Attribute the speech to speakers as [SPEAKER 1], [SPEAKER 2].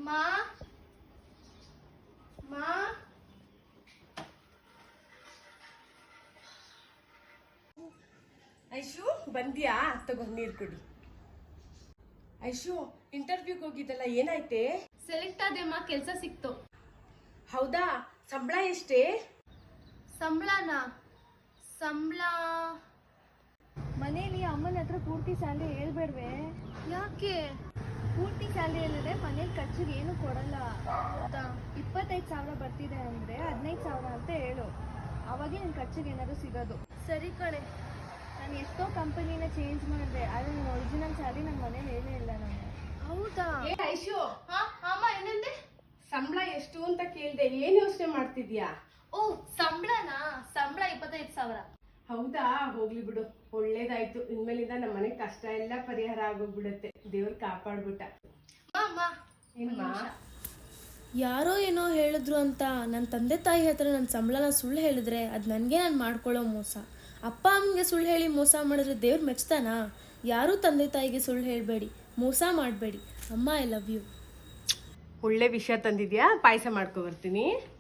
[SPEAKER 1] ಮಾ ಮಾ
[SPEAKER 2] ಐಶು ಬಂದ್ಯಾ? ತಗೋ ನೀರು ಕುಡಿ. ಐಶು ಇಂಟರ್ವ್ಯೂಗೆ ಹೋಗಿದ್ದಲ್ಲ, ಏನಾಯ್ತೆ?
[SPEAKER 1] ಸೆಲೆಕ್ಟ್ ಆದೆಮ್ಮ, ಕೆಲಸ ಸಿಕ್ತು.
[SPEAKER 2] ಹೌದಾ? ಸಂಬಳ ಎಷ್ಟೇ?
[SPEAKER 1] ಸಂಬಳನಾ? ಸಂಬಳ
[SPEAKER 3] ಮನೇಲಿ ಅಮ್ಮನ ಹತ್ರ ಪೂರ್ತಿ ಸ್ಯಾಲ್ರಿ ಹೇಳ್ಬೇಡ್ವೆ?
[SPEAKER 1] ಯಾಕೆ?
[SPEAKER 3] ಪೂರ್ತಿ ಸ್ಯಾಲ್ರಿ ಹೇಳಿದ್ರೆ ಮನೇಲಿ ಖರ್ಚಿಗೆ ಏನು ಕೊಡಲ್ಲ. 25,000 ಬರ್ತಿದೆ ಅಂದ್ರೆ 15,000 ಅಂತ ಹೇಳು, ಅವಾಗೆ ನಿನ್ ಖರ್ಚಿಗೆ ಏನಾದ್ರು ಸಿಗೋದು.
[SPEAKER 1] ಸರಿ ಕಣೆ.
[SPEAKER 3] ನಾನು ಎಷ್ಟೋ ಕಂಪನಿನ ಚೇಂಜ್ ಮಾಡಿದೆ, ಆದ್ರೆ ನನ್ನ ಒರಿಜಿನಲ್ ಸ್ಯಾಲ್ರಿ ನನ್ನ ಮನೇಲಿ ಹೇಳೇ ಇಲ್ಲ ನಾನು.
[SPEAKER 1] ಹೌದಾ?
[SPEAKER 2] ಏ ಐಶು,
[SPEAKER 1] ಅಮ್ಮ ಏನಂದೆ?
[SPEAKER 2] ಸಂಬಳ ಎಷ್ಟು ಅಂತ ಕೇಳ್ದೆ, ಏನ್ ಯೋಚನೆ ಮಾಡ್ತಿದ್ಯಾ?
[SPEAKER 1] ಓ ಸಂಬಳನಾ? ಸಂಬಳ 25,000.
[SPEAKER 2] ಹೌದಾ? ಹೋಗ್ಲಿ ಬಿಡು, ಒಳ್ಳೇದಾಯ್ತು. ಇನ್ಮೇಲಿಂದ ನಮ್ಮ ಮನೆ ಕಷ್ಟ ಎಲ್ಲ ಪರಿಹಾರ ಆಗೋಗ್ಬಿಡತ್ತೆ. ದೇವ್ರು ಕಾಪಾಡ್ಬಿಟ್ಟ.
[SPEAKER 1] ಅಮ್ಮ
[SPEAKER 2] ಏನ್ಮಾ?
[SPEAKER 4] ಯಾರೋ ಏನೋ ಹೇಳಿದ್ರು ಅಂತ ನನ್ನ ತಂದೆ ತಾಯಿ ಹತ್ರ ನನ್ನ ಸಂಬಳನ ಸುಳ್ಳು ಹೇಳಿದ್ರೆ ಅದು ನನಗೆ ನಾನು ಮಾಡ್ಕೊಳ್ಳೋ ಮೋಸ. ಅಪ್ಪ ಅಮ್ಮನಿಗೆ ಸುಳ್ಳು ಹೇಳಿ ಮೋಸ ಮಾಡಿದ್ರೆ ದೇವ್ರು ಮೆಚ್ತಾನಾ? ಯಾರೂ ತಂದೆ ತಾಯಿಗೆ ಸುಳ್ಳು ಹೇಳಬೇಡಿ, ಮೋಸ ಮಾಡಬೇಡಿ. ಅಮ್ಮ, ಐ ಲವ್ ಯು.
[SPEAKER 2] ಒಳ್ಳೆ ವಿಷಯ ತಂದಿದ್ಯಾ, ಪಾಯಸ ಮಾಡ್ಕೊ ಬರ್ತೀನಿ.